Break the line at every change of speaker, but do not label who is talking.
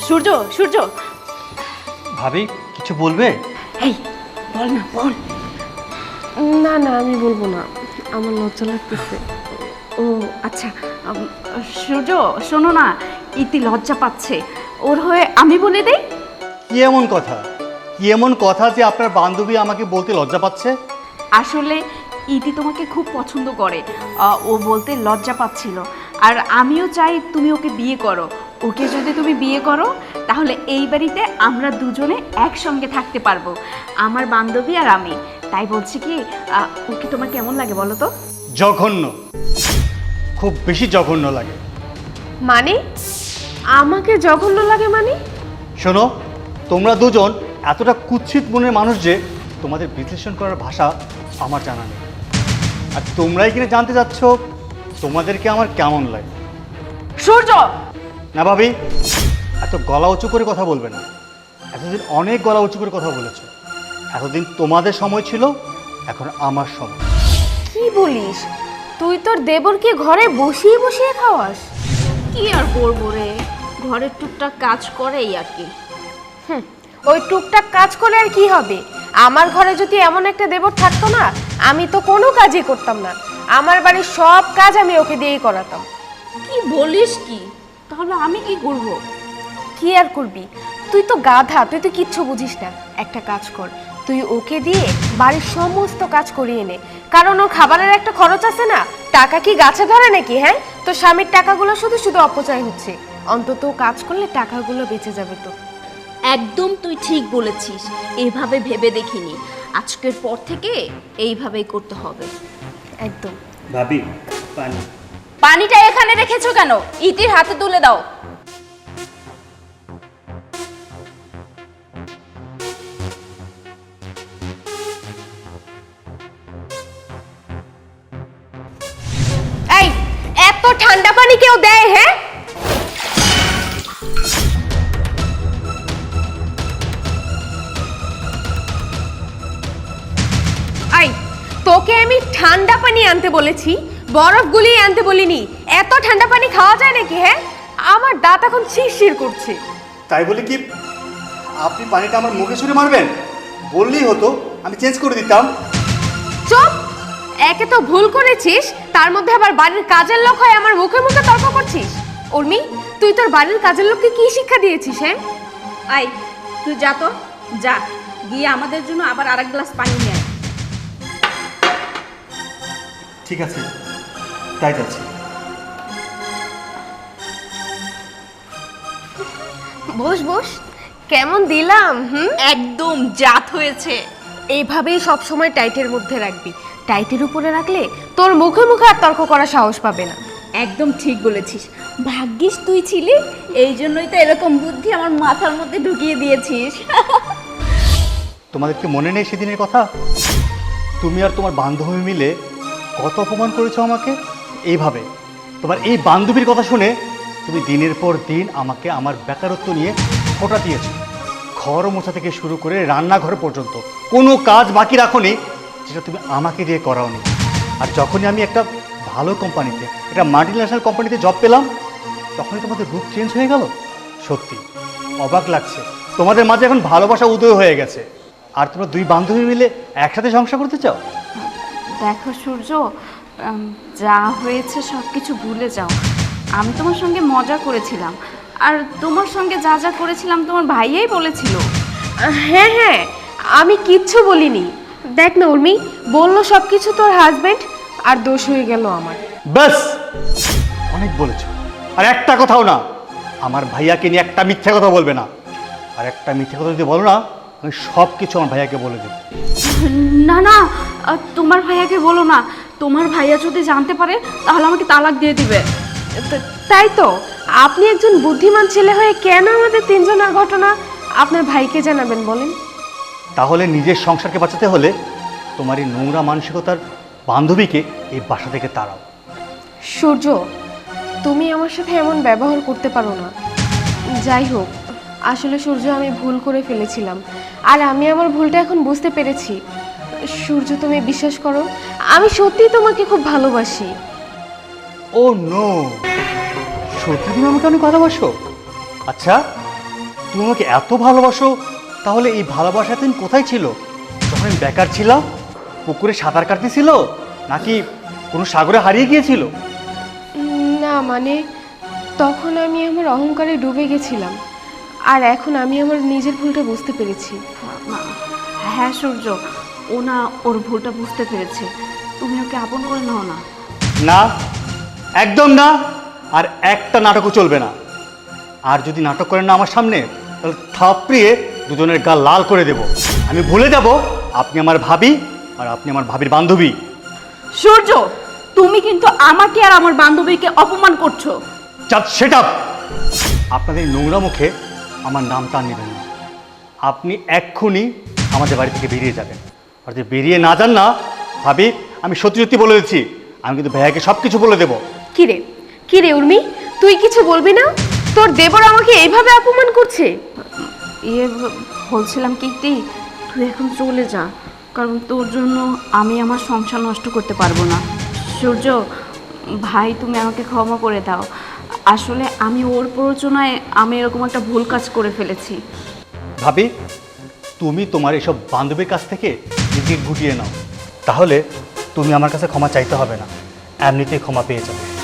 সূর্য সূর্য
ভাবি কিছু বলবে?
এই বল না বল।
না না আমি বলবো না, আমার লজ্জা লাগতেছে।
ও আচ্ছা, সূর্য শোনো না, ইতি লজ্জা পাচ্ছে, ওর হয়ে আমি বলে দেই।
কি এমন কথা, কি এমন কথা যে আপনার বান্ধবী আমাকে বলতে লজ্জা পাচ্ছে?
আসলে ইতি তোমাকে খুব পছন্দ করে, ও বলতে লজ্জা পাচ্ছিল। আর আমিও চাই তুমি ওকে বিয়ে করো। ওকে যদি তুমি বিয়ে করো তাহলে এই বাড়িতে আমরা দুজনে একসঙ্গে থাকতে পারবো, আমার বান্ধবী আর আমি। তাই বলছি কি, ওকে তোমার কেমন লাগে বলো তো?
জঘন্য, খুব বেশি জঘন্য লাগে।
মানে আমাকে জঘন্য লাগে মানে?
শোনো, তোমরা দুজন এতটা কুৎসিত মনের মানুষ যে তোমাদের বিশ্লেষণ করার ভাষা আমার জানা নেই। আর তোমরাই কিনা জানতে চাচ্ছ তোমাদেরকে আমার কেমন লাগে।
সূর্য!
না ভাবি, এত গলা উঁচু করে কথা বলবে না। এতদিন অনেক গলা উঁচু করে কথা বলেছ। এতদিন তোমাদের সময় ছিল, এখন আমার সময়।
কি বলিস? তুই তোর দেবরকে ঘরে বসিয়ে বসিয়ে খাওয়াস?
কি আর করবো রে, ঘরের টুকটাক কাজ করেই আর কি।
ওই টুকটাক কাজ করে আর কি হবে? আমার ঘরে যদি এমন একটা দেবর থাকতো না, আমি তো কোনো কাজই করতাম না। আমার বাড়ির সব কাজ আমি ওকে দিয়েই করাতাম।
কি বলিস কি? তাহলে আমি কি করব?
কি আর করবি? তুই তো গাধা, তুই তো কিচ্ছু বুঝিস না। একটা কাজ কর, তুই ওকে দিয়ে বাড়ির সমস্ত কাজ করিয়ে নে, কারণ ওর খাবারের একটা খরচ আছে না। টাকা কি গাছে ধরে নাকি? হ্যাঁ, তো স্বামীর টাকাগুলো শুধু শুধু অপচয় হচ্ছে। অন্তত কাজ করলে টাকাগুলো বেঁচে যাবে। তো
একদম তুই ঠিক বলেছিস, এভাবে ভেবে দেখিনি। আজকের পর থেকে এইভাবেই করতে হবে।
একদম।
ভাবি পানি।
পানিটা এখানে রেখেছো কেন? ইতির হাতে তুলে দাও।
এই, এত ঠান্ডা পানি কেউ দেয়? হ্যাঁ, এই তোকে আমি ঠান্ডা পানি আনতে বলেছি, বরফ গুলিয়ে আনতে বলিনি। এত ঠান্ডা পানি খাওয়া যায় নাকি? হ্যাঁ, আমার দাঁত এখন শিরশির করছে।
তাই বলে কি আপনি পানিটা আমার মুখে ছুঁড়ে মারবেন? বললেই হতো, আমি চেঞ্জ করে দিতাম।
চুপ! একে তো ভুল করেছিস, তার মধ্যে আবার বাড়ির কাজের লোক হয়ে আমার মুখে মুখে তর্ক করছিস। উর্মি, তুই তোর বাড়ির কাজের লোককে কি শিক্ষা দিয়েছিস? হ্যাঁ,
আই, তুই যা তো, যা গিয়ে আমাদের জন্য আবার আরেক গ্লাস পানি নিয়ে আয়।
ঠিক আছে, তাই যাচ্ছি।
বস বস। কেমন দিলাম?
একদম জাত হয়েছে।
এইভাবেই সবসময় টাইটের মধ্যে রাখবি। টাইটের উপরে রাখলে তোর মুখে মুখে আর তর্ক করার সাহস পাবে না।
একদম ঠিক বলেছিস, ভাগ্যিস তুই ছিলি, এই জন্যই তো এরকম বুদ্ধি আমার মাথার মধ্যে ঢুকিয়ে দিয়েছিস।
তোমাদের কি মনে নেই সেদিনের কথা? তুমি আর তোমার বান্ধবী মিলে কত অপমান করেছো আমাকে। এইভাবে তোমার এই বান্ধবীর কথা শুনে তুমি দিনের পর দিন আমাকে আমার বেকারত্ব নিয়ে খোঁটা দিয়েছো। ঘর মোছা থেকে শুরু করে রান্নাঘর পর্যন্ত কোনো কাজ বাকি রাখোনি যেটা তুমি আমাকে দিয়ে করাওনি। আর যখনই আমি একটা ভালো কোম্পানিতে, একটা মাল্টিন্যাশনাল কোম্পানিতে জব পেলাম, তখনই তোমাদের রূপ চেঞ্জ হয়ে গেল। সত্যি অবাক লাগছে, তোমাদের মাঝে এখন ভালোবাসা উদয় হয়ে গেছে, আর তোমরা দুই বান্ধবী মিলে একসাথে সংসার করতে চাও।
দেখো সূর্য, যা হয়েছে সব কিছু ভুলে যাও। আমি তোমার সঙ্গে মজা করেছিলাম, আর তোমার সঙ্গে যা যা করেছিলাম তোমার ভাইয়াই বলেছিল।
হ্যাঁ হ্যাঁ, আমি কিচ্ছু বলিনি। দেখ না উর্মি, বললো সবকিছু তোর হাজবেন্ড, আর দোষ হয়ে গেল আমার।
ব্যাস, অনেক বলেছ। আর একটা কথাও না, আমার ভাইয়াকে নিয়ে একটা মিথ্যা কথা বলবে না। আর একটা মিথ্যা কথা যদি বলো না, আমি সব কিছু আমার ভাইয়াকে বলে দেব।
না না, তোমার ভাইয়াকে বলো না। তোমার ভাইয়া যদি জানতে পারে তাহলে আমাকে তালাক দিয়ে দিবে।
তাই তো, আপনি একজন বুদ্ধিমান ছেলে হয়ে কেন আমাদের তিনজনের ঘটনা আপনার ভাইকে জানাবেন বলেন?
তাহলে নিজের সংসারকে বাঁচাতে হলে তোমার এই নোংরা মানসিকতার বান্ধবীকে এই বাসা থেকে তাড়াও।
সূর্য, তুমি আমার সাথে এমন ব্যবহার করতে পারো না। যাই হোক, আসলে সূর্য আমি ভুল করে ফেলেছিলাম, আর আমি আমার ভুলটা এখন বুঝতে পেরেছি। সূর্য, তুমি বিশ্বাস করো, আমি সত্যি তোমাকে খুব ভালোবাসি।
ও নো, সত্যি তুমি আমাকে অনেক ভালোবাসো? আচ্ছা, তুমি আমাকে এত ভালোবাসো, তাহলে এই ভালোবাসা দিন কোথায় ছিল? যখন আমি বেকার ছিলাম, পুকুরে সাঁতার কাটতেছিল, নাকি কোনো সাগরে হারিয়ে গিয়েছিল?
না মানে তখন আমি আমার অহংকারে ডুবে গেছিলাম, আর এখন আমি আমার নিজের ভুলটা বুঝতে পেরেছি।
হ্যাঁ সূর্য, ও না ওর ভুলটা বুঝতে পেরেছে। তুমি ওকে আপন করে নাও না।
না, একদম না। আর একটা নাটকও চলবে না। আর যদি নাটক করেন না আমার সামনে, তাহলে থাপড়িয়ে দুজনের গা লাল করে দেব। আমি ভুলে যাব আপনি আমার ভাবি আর আপনি আমার ভাবির বান্ধবী।
সূর্য, তুমি কিন্তু আমাকে আর আমার বান্ধবীকে অপমান করছো।
Just set up. আপনাদের এই নোংরা মুখে আমার নামটা নেবেন না। আপনি এক্ষুনি আমাদের বাড়ি থেকে বেরিয়ে যাবেন। আর যদি বেরিয়ে না যান না, ভাবি, আমি সত্যি সত্যি বলে দিচ্ছি, আমি কিন্তু ভাইয়াকে সব কিছু বলে দেবো।
কিরে উর্মি, তুই কিছু বলবি না? তোর দেবর আমাকে এইভাবে অপমান করছে।
বলছিলাম কীর্তি, তুই এখন চলে যা, কারণ তোর জন্য আমি আমার সংসার নষ্ট করতে পারবো না। সূর্য ভাই, তুমি আমাকে ক্ষমা করে দাও। আসলে আমি ওর প্ররোচনায় আমি এরকম একটা ভুল কাজ করে ফেলেছি।
ভাবি, তুমি তোমার এসব বান্ধবীর কাছ থেকে নিজেকে গুটিয়ে নাও, তাহলে তুমি আমার কাছে ক্ষমা চাইতে হবে না, এমনিতেই ক্ষমা পেয়ে যাবে।